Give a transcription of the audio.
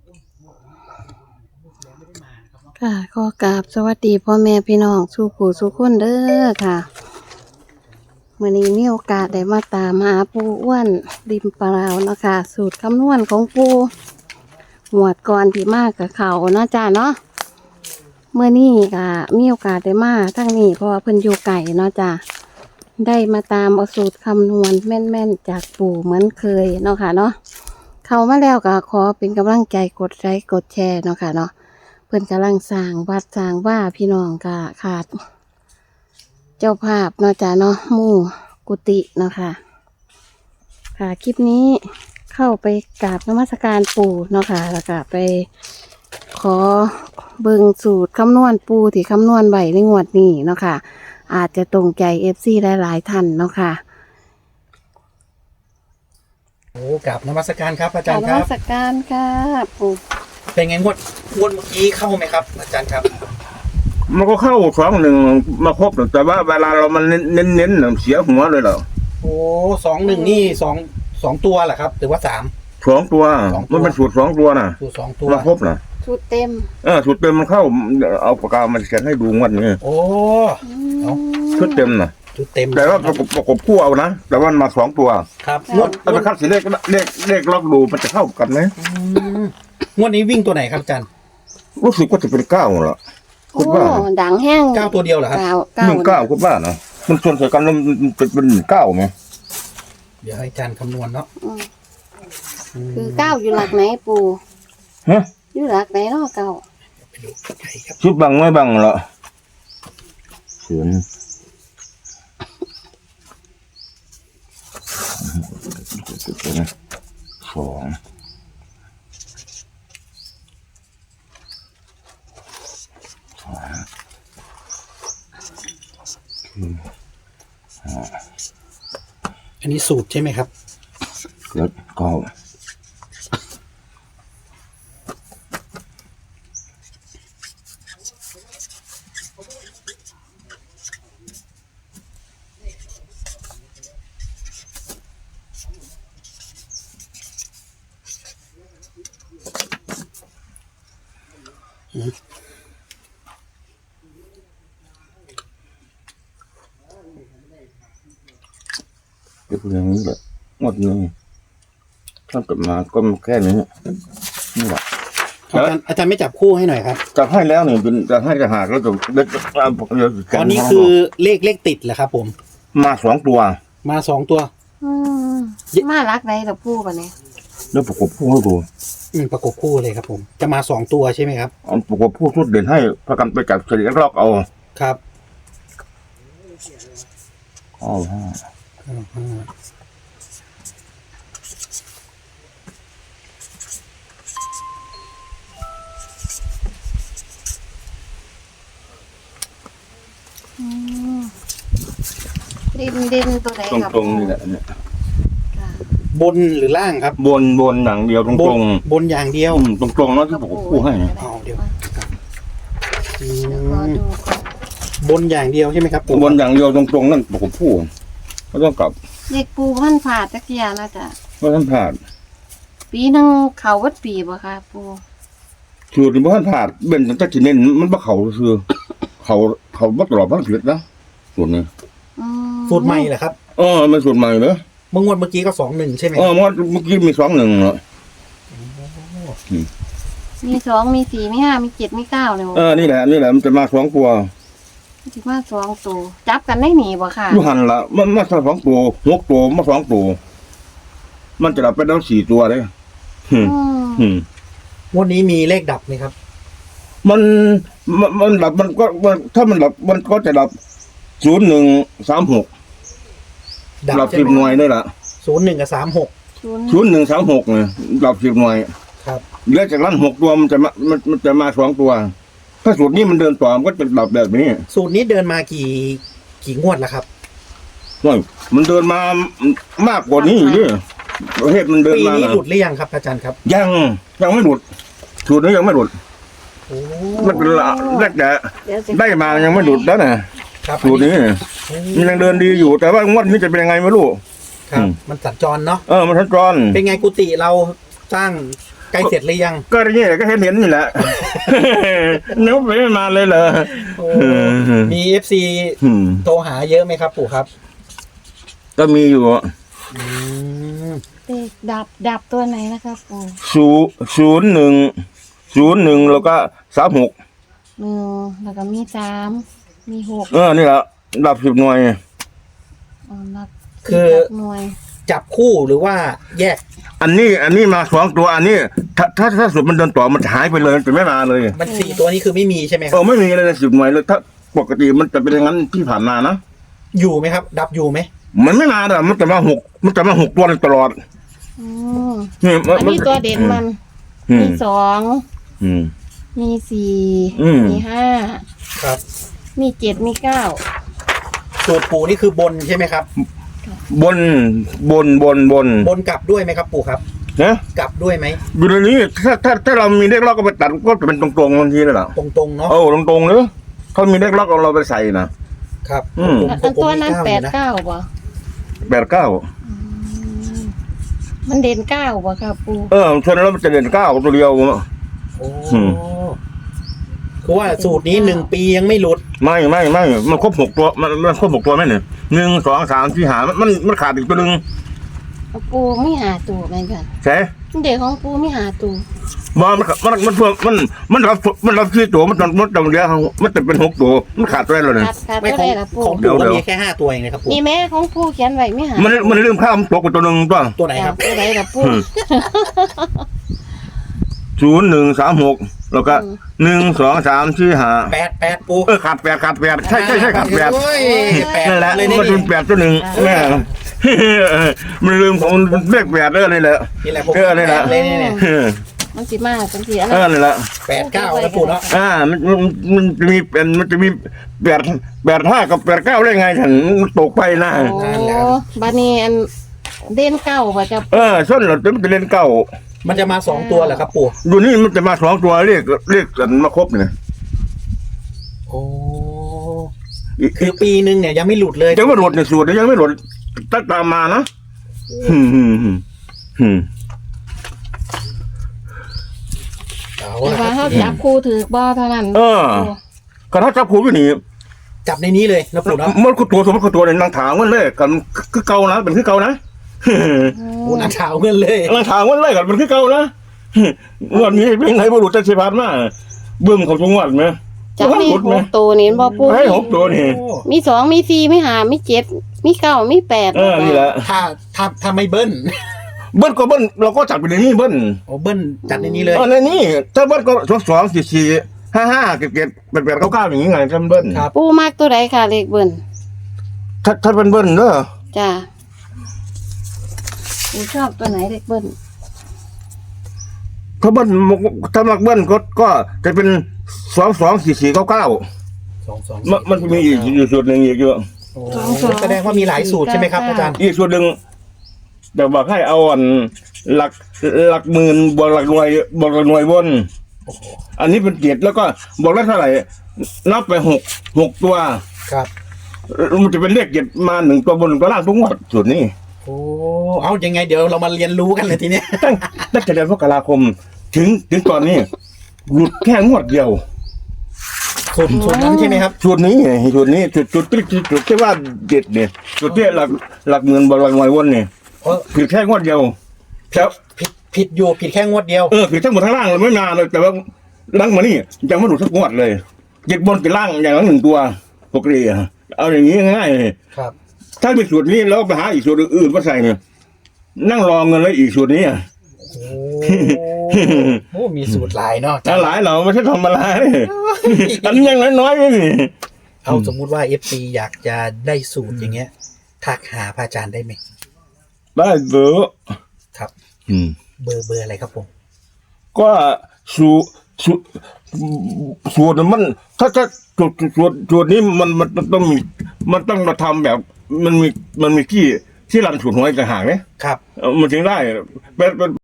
ค่ะขอกราบสวัสดีพ่อแม่พี่น้องสู่ผู้สู่คนเด้อค่ะมื้อนี้มีโอกาสได้มาตามหาปู่อ้วนริมปะราวเนาะค่ะสูตรคำนวณของปู่หมวดก่อนที่มากกับเขาเนาะจ้าเนาะเมื่อนี้ก็มีโอกาสได้มาทั้งนี้เพราะว่าเพิ่นอยู่ไก่เนาะจ้าได้มาตามเอาสูตรคำนวณแม่นๆจากปู่เหมือนเคยเนาะค่ะเนาะเข้ามาแล้วก็ขอเป็นกำลังใจกดไลค์กดแชร์เนาะค่ะเนาะเพิ่นกำลังสร้างวัดสร้างว่าพี่น้องก็ขาดเจ้าภาพเนาะจ้าเนาะหมู่กุฏิเนาะค่ะค่ะคลิปนี้เข้าไปกราบนมัสการปู่เนาะค่ะแล้วก็ไปขอเบิ่งสูตรคำนวณปู่ที่คำนวณไว้ในงวดนี้เนาะค่ะอาจจะตรงใจ FC หลายๆท่านเนาะค่ะโอ้กราบนมัสการครับอากจาราบรย์นครัมับสการค่ะปู่เป็นไงงวดเมื่อกี้เข้าไหมครับ อาจารย์ครับมันก็เข้า2-1มาครบแต่ว่าเวลาเรามันเน้นๆเสียหัวเลยเหรอโอ้21นี่สองตัวเหรอครับหรือว่า3 2 ตัว 2 ตัวมันเป็นสูตร2 ตัวน่ะตัว2 ตัวมาครบน่ะชุดเต็มสูตรเต็มมันเข้าเอาปากกามันเขียนให้ดูงวดนี้โอ้ เอาชุดเต็มน่ะจุดเต็มแต่ว่าประกบคู่เอานะแต่ว่ามันมา2 ตัวครับงวดถ้าไปคัดสีเลขล็อกดูมันจะเข้ากันไหมงวดนี้วิ่งตัวไหนครับอาจารย์รู้สึกว่าจะเป็น9เหรอโอ้คุณว่าดังแห้ง 9ตัวเดียวเหรอครับ 19คุณว่านะมันชนใส่กันแล้วมันเป็น9ไหมเดี๋ยวให้อาจารย์คำนวณเนาะอืมคือเก้าอยู่หลักไหนปู่ฮะอยู่หลักไหนเนาะเก้าไปดูใช่ครับชุดบังไม่บังเหรอเขียนสองอันนี้สูตรใช่ไหมครับเจ็ดเก้าเดี๋ยวอย่างนี้แหละหมดเลยถ้ากลับมาก็แค่นี้นี่แหละอาจารย์ไม่จับคู่ให้หน่อยครับจะให้แล้วเนี่ยเป็นจะให้จะหากแล้วจะเล็กตอนนี้คือเลขติดเหรอครับ ผมมา2 ตัวมา2 ตัวอืมมาหลักไหนดอกปู่ปะเนี่ยแล้วประกบคู่ให้ดูประกบคู่เลยครับ ผม จะมา2 ตัวใช่ไหมครับเอาประกบคู่ชุดเด่นให้พากันไปจับเฉลี่ยล็อกเอาครับ 5 ดินตัวไหนครับตรงๆนี่แหละเนี่ยค่ะบนหรือล่างครับบนอย่างเดียวตรงบนอย่างเดียวๆตรงๆแล้วที่ประกบคู่ให้เอาเดี๋ยวเดี๋ยวขอดูก่อนบนอย่างเดียวใช่ไหมครับบนอย่างเดียวตรงๆนั่นประกบคู่ก็ต้องกลับเด็กปู่พันผ่าตะเกียนะจ๊ะเพราะท่านผ่านปีหนึงเขาวัดปีบ่ค่ะปู่สูตรเพราะท่านผ่านเป็นตั้งแต่จีเน้นมันบ่เขาคือเขาบ่ตลอดทั้งชีวิตนะสูตรนี้อืมสูตรใหม่เหรอครับมันสูตรใหม่เนอะเมื่อกี้ก็21ใช่ไหมเมื่อกี้มี2-1เหรอมี2มี4มี5มี7มี9เลยนี่แหละมันจะมา2 ตัวสิว่า2ตัวจับกันได้หนีบ่ค่ะอยู่หันละมันมา2 ตัว6 ตัวมา2 ตัวมันจะดับไปแล้ว4 ตัวเลยงวดนี้มีเลขดับไหมครับมันดับมันก็ถ้ามันดับมันก็จะดับ0136ดับ10 หน่วยนี่แหละ 01 กับ 0136เนี่ยดับ10 หน่วยครับเหลือจากนั้น6 ตัวมันจะมา2 ตัว ถ้าสูตรนี้มันเดินต่อมันก็จะดับแบบนี้สูตรนี้เดินมากี่งวดแล้วครับมันเดินมามากกว่านี้อีกดิประเทศมันเดินปีมานี้นะหลุดหรือยังครับอาจารย์ครับยังไม่หลุดสูตรนี้ยังไม่หลุดโอ้มันเป็นแรกแต่เดี๋ยวสิได้มายังไม่หลุดแล้วนะครับ สูตรนี้มันยังเดินดีอยู่ แต่ว่างวดนี้จะเป็นยังไงไม่รู้ครับ มันสัญจรเนาะมันทันจรเป็นไงกุฏิเราสร้างใกล้เสร็จหรือยังก็อย่างนี้ก็เห็นนี่แหละ นึกไม่มาเลยเหรอโอ้มีเอฟซีโทรหาเยอะไหมครับปู่ครับก็มีอยู่อืมเลขดับตัวไหนนะครับปู่ 01แล้วก็36 1แล้วก็มี3มี6 นี่แหละดับ10หน่วยนับคือหน่วยจับคู่หรือว่าแยกอันนี้มา2ตัวอันนี้ถ้าสุดมันเดินต่อมันจะหายไปเลยจะไม่มาเลยมันสี่ตัวนี้คือไม่มีใช่ไหมคเอรับอไม่มีเลย10หน่วยเลยถ้าปกติมันจะเป็นอย่างนั้นที่ผ่านมานะอยู่ไหมครับ ดับอยู่ไหมมันไม่มาแต่มันจะมา6ตัวเลยตลอดอืมนี่อันนี้ตัวเด่นมันอืมีม 2 อืมมีอืม 4มี5 ครับมี7มี9 สูตรปู่นี่คือบนใช่ไหมครับบนบนกลับด้วยไหมครับปู่ครับนะกลับด้วยไหมอยู่ในนี้ถ้าเรามีเลขล็อกก็ไปตัดก็จะเป็นตรงๆบางทีเลยเหรอตรงๆเนาะโอ้ตรงๆเลยเขามีเลขล็อกเอาเราไปใส่นะครับผมอันตัวนั้นผมมี 8 เก้าอยู่นะ 9บ่ 89 มันเด่น9บ่ครับปู่ชนแล้วมันจะเด่น9ตัวเดียวโอ้อืมคือว่าสูตรนี้1 ปียังไม่หลุดไม่มันครบ6ตัวมันครบ6ตัวไหมเนี่ย1 2 3 4 5มันขาดอีกตัวนึงปู่มีหาตัวไหมกันใช่เด็กของปู่มีหาตัวบ่มันรับ4ตัวมันต้องเดียวมันจะเป็น6ตัวมันขาดตัวแล้วเนี่ยขาดไม่ตัวของได้ละปู่ของเดี๋ปู่ยวก็มีแค่5 ตัวเองนะครับปู่นี่แม่ของปู่เขียนไว้ไม่หามันเรื่องข้ามตกไปตัวนึงตัวตัวไหนครับตัวใดละปู่ 0136แล้วก็1 2 3 4 5 8 ปู่ขาด8ขาด8ใช่ขาด8 โอ้ยแปดนั่นแหละเลยมันเป็น8ตัวหนึ่งแม่มันลืมของเลข8นี่แหละนี่แหละผมนี่แหละเลยเนี่ยมันสิมาจังซี่อันนี่แหละ 8 9นะปู่เนาะมันจะมี8 5กับ8 9ได้ไงฉันตกไปนะโอ้บัดนี้อันเด่นเก้าบ่จะส้นเราจะเล่นเก้ามันจะมา2 ตัวเหรอครับปู่อยู่นี่มันจะมา2ตัวเรียกกันมาครบเนี่ยโอ้คือปีนึงเนี่ยยังไม่หลุดเลยยังไม่หลดในสูตรยังไม่หลดตั้งตามมานะเอาแต่ละคว่ารับเฮาจับคู่ถือบ่เท่านั้นกระทับจับผูอยู่นี่จับในนี้เลยนะปู่เนาะมันคือตัวสมมติคือตัวเนี่ยนางถางมันเลยกันคือเก่านะเป็นคือเก่านะปู่นักข่าวเงินเลยนางถางมันเลยกันเป็นคือเก่านะวันนี้เป็นไงบุรุษจะเสียพัดมาเบิ่มเขาจังหวัดไหมจับมีหมดไหม 6ตัวนี่บ่ปู่ให้6ตัวนี่โอ้มี2มี4มี5มี7มี9มี8 นี่แหละถ้าไม่เบิ้ลเบิ้ลก็เบิ้ลเราก็จับไปในนี้เบิ้ลโอ้เบิ้ลจัดในนี้เลยในนี้ถ้าเบิ้ลก็2 4 4 5 5 7 8 8 9 9อย่างนี้ไงถ้าเบิ้ลครับปู่มักตัวใดค่ะเลขเบิ่นถ้าเป็นเบิ้ลเนอะจ้ะปู่ชอบตัวไหนเลขเบิ่นถ้าเบิ้ลถ้ามักเบิ้ลก็จะเป็น2 2 4 4 9 9 2 มันจะมีอีกอยู่ส่วนหนึ่งอีกเยอะโอ้แสดงว่ามีหลายสูตรใช่ไหมครับอาจารย์อีกส่วนหนึ่งแต่บอกให้เอาอันหลักหมื่นบวกหลักหน่วยบวกหลักหน่วยบน อันนี้เป็น7แล้วก็บอกได้เท่าไหร่นับไป6ตัวครับมันจะเป็นเลข7มา1ตัวบน1ตัวล่างทุกงวดส่วนนี้โอ้เอายังไงเดี๋ยวเรามาเรียนรู้กันเลยทีเนี้ยตั้งแต่เดือนมกราคมถึงตอนนี้หลุดแค่งวดเดียวสูตรนั้นใช่ไหมครับส่วนนี้จุดที่ว่าเด็ดเนี่ยจุดที่หลักหมื่นบวกหลักหน่วยวนเนี่ยเพราะผิดแค่งวดเดียวแล้วผิดอยู่ผิดแค่งวดเดียวผิดทั้งหมดทั้งล่างเลยไม่นานเลยแต่ว่าล่างมานี่ยังไม่หลุดสักงวดเลยเจ็ดบนเป็นล่างอย่างละ1ตัวปกติเอาอย่างนี้ง่ายๆเลยครับถ้าเป็นสูตรนี้แล้วไปหาอีกสูตรอื่นมาใส่เนี่ยนั่งรอเงินแล้วอีกสูตรนี้โอ้มีสูตรหลายเนาะหลายเราไม่ใช่ทำอะไรอันยังน้อยๆนี่เอาสมมุติว่า FC อยากจะได้สูตรอย่างเงี้ยทักหาพระอาจารย์ได้ไหมได้เบอร์ครับ เบอร์อะไรครับผมก็สูตรมันถ้าสูตรนี้มันต้องมีมันต้องมาทำแบบมันมีที่รันสูตรหวยต่างหากเนี่ยครับมันถึงได้เป็น